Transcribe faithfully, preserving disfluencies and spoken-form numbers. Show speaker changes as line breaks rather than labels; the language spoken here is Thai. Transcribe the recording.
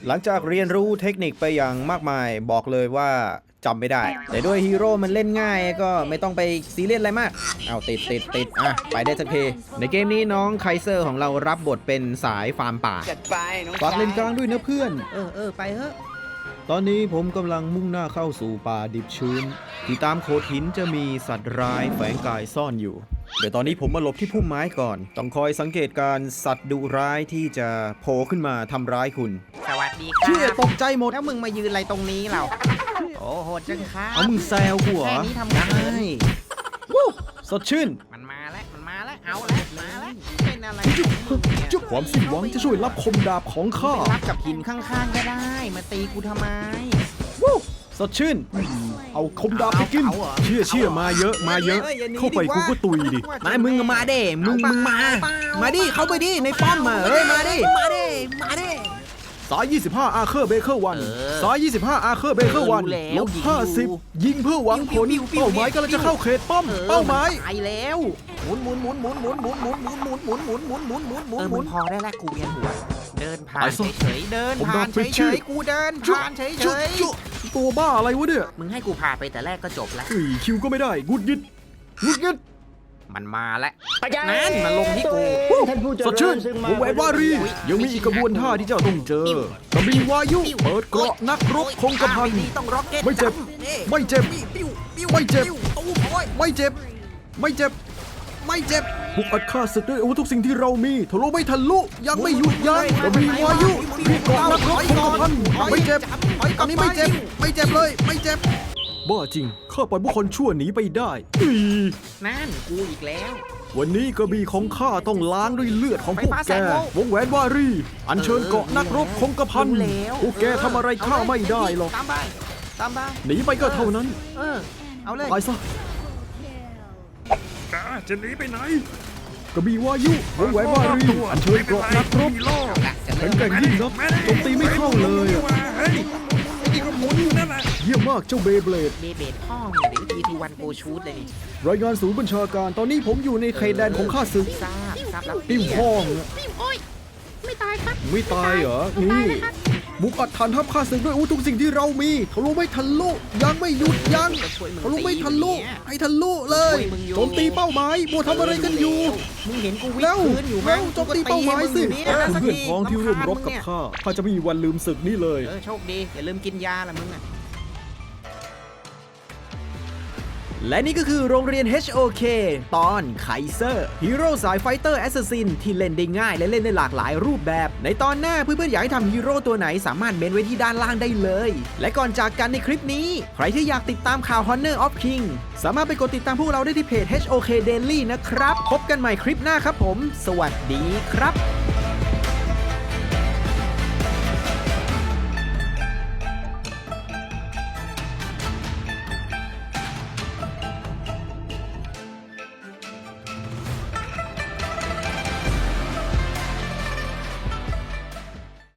หลังจากเรียนรู้เทคนิคไปอย่างมากมายบอกเลยว่าจำไม่ได้แต่ด้วยฮีโร่มันเล่นง่ายก็ไม่ต้องไปซีเรียสอะไรมากเอาติดติดติดอ่ะไปได้สักทีในเกมนี้น้องไคเซอร์ของเรารับบทเป็นสายฟาร์มป่าฝากเล่นกลางด้วยนะเพื่อนเออเออไปเถอะตอนนี้ผมกำลังมุ่งหน้าเข้าสู่ป่าดิบชื้นที่ตามโขดหินจะมีสัตว์ร้ายแฝงกายซ่อนอยู่เดี๋ยวตอนนี้ผมมาหลบที่พุ่มไม้ก่อนต้องคอยสังเกตการสัตว์ดุร้ายที่จะโผล่ขึ้นมาทำร้ายคุณ
สวัสดีครับ
เชี่ยตกใจหมด
แล้วมึงมายืนอะไรตรงนี้เราโอ้โหดจังครับ
เอามึงแซวกูเหรอ
แค่นี้ทำได้
วู้สดชื่น
มันมาแล้วมันมาแล้วเอาแล้วมาแล้วเป็นอะไรของมึงเนี่ย
จุ๊บความสิ้นหวังจะช่วยรับคมดาบของข้า
ไปรับกับหินข้างๆก็ได้มาตีกูทำไม
วู้สดชื่น เอาคมดาบไปกิน
เอาเหรอ
เชี่ยเชี่ยมาเยอะมาเยอะ
เฮ้ยอย่าหนี
เข้าไป
ดิวะ
กูก็ตุยดิ
มามึงมาเด้มึงมึงมา
มาดิเข้าไปดิในป้อมมาเอ้ยมาดิ
มาดิมาดิ
สายยี่สิบห้าอาร์เคอร์เบเกอร์วัน
เออ
สายยี่สิบห้าอาร์เคอร์เบเกอร์วัน
รู้แล้ว
ลบ
ยิง
ห้าสิบ
อยู่
ยิงเพื่อหวังผล
ปิ้วปิ้วปิ้ว
เป้าหมายกำลังจะเข้าเขตป้อม
ออ
เป้าหมาย
ไปแล้วหมุนหมุนหมุนหมุนหมุนหมุนหมุนหมุนหมุนหมุนหมุนหมุนหมุนหมุนหมุน
เออ
หมุนพอได้แล้วกูเวียนหัวเดินผ่า
ไป
น
ซะ
เฉยๆเดิน
ผม
ผ่าน
โดนปิด
เฉ
ชื่อ
ยๆกูเดินผ่านเฉย
จุ๊บจุ๊บตัวบ้าอะไรวะเนี่ย
ๆมึงให้กูผ่านไปแต่แรกก็จบแล้ว
อุ้ยคิวก็ไม่ได้งุดยิดงุดยิด
มันมาแล้วนั่นมาลงที่กู
สดชื่นวงแหวนวารียังมีอีกกระบวนท่าที่เจ้าต้องเจอกระบี่วายุเปิดเกราะนักรบคงกระพัน
ต้องร็อกเก็ต
ไม่เจ็บ ไม่เจ็บ
ปิ้วปิ้ว
ไม่เจ็บ
ปิ้วตู้โอ้ย
ไม่เจ็บ ไม่เจ็บ ไม่เจ็บบุกอัดฆ่าศึกด้วยอาวุธทุกสิ่งที่เรามีทะลุไม่ทะลุยังไม่หยุดยั้งกระบี่วายุมีเกราะนักรบคงกระพันไม่เจ็บอันนี้ไม่เจ็บ ไม่เจ็บเลย ไม่เจ็บบ้าจริงข้าปล่อยผู้คนชั่วหนีไปได้อี
นั่นกูอีกแล้ว
วันนี้กระบี่ของข้าต้องล้างด้วยเลือดของพวกแกวงแหวนวารีอัญเชิญเกาะนักรบคงกระพัน
รู้แล้ว
พวกแกทำอะไรข้าไม่ได้หรอก
ตามไปตามไป
หนีไปก็เท่านั้น
เออเอาเลย
ไปซะจะหนีไปไหนกระบี่วายุวงแหวนวารีอัญเชิญเกาะนักรบแข็งแกร่งยิ่งนักโจมตีไม่เข้าเลยอะเยี่ยมมากเจ้าเบย์เบลด
เบเบดพ่อมึงเดี๋ยวทีทีวันโกชูดเลยนี่
รายงานศูนย์บัญชาการตอนนี้ผมอยู่ในเขตแดนของข้าศึก
ทราบทราบแล้ว
ปิ้วห้องอะ
โอ๊ยไม่ตายครับ
ไม่ตายเหรอ นี่บุกอัดฐานทัพข้าศึกด้วยอาวุธทุกสิ่งที่เรามีทะลุไม่ทะลุยังไม่หยุดยัง
จะช่วยมึง
ทะลุไม่ทะลุ
ตีเนี่ย
ให้ทะลุเลยโจมตีเป้าหมายบัวทำอะไรกันอยู่
มึงเห็นกูวิ่
แล้
ง
ว
พื้นอยู่
แล้วโจมตีเป้าหมายสิ
กูก็ตีให้มึงอยู่นี่นะสัก
เพื่อน
ที
พ้องที่ร่วมรบกับข้าข้าจะไม่มีวันลืมศึกนี้เลย
เออโชคดีอย่าลืมกินยาละมึงอ่ะ
และนี่ก็คือโรงเรียน เอช โอ เค ตอนไคเซอร์ฮีโร่สายไฟเตอร์แอสซัสซินที่เล่นได้ง่ายและเล่นได้หลากหลายรูปแบบ ในตอนหน้าเพื่อนๆอยากให้ทำฮีโร่ตัวไหนสามารถเมนไว้ที่ด้านล่างได้เลย และก่อนจากกันในคลิปนี้ ใครที่อยากติดตามข่าว Honor of King สามารถไปกดติดตามพวกเราได้ที่เพจ เอช โอ เค Daily นะครับ พบกันใหม่คลิปหน้าครับผม สวัสดีครับ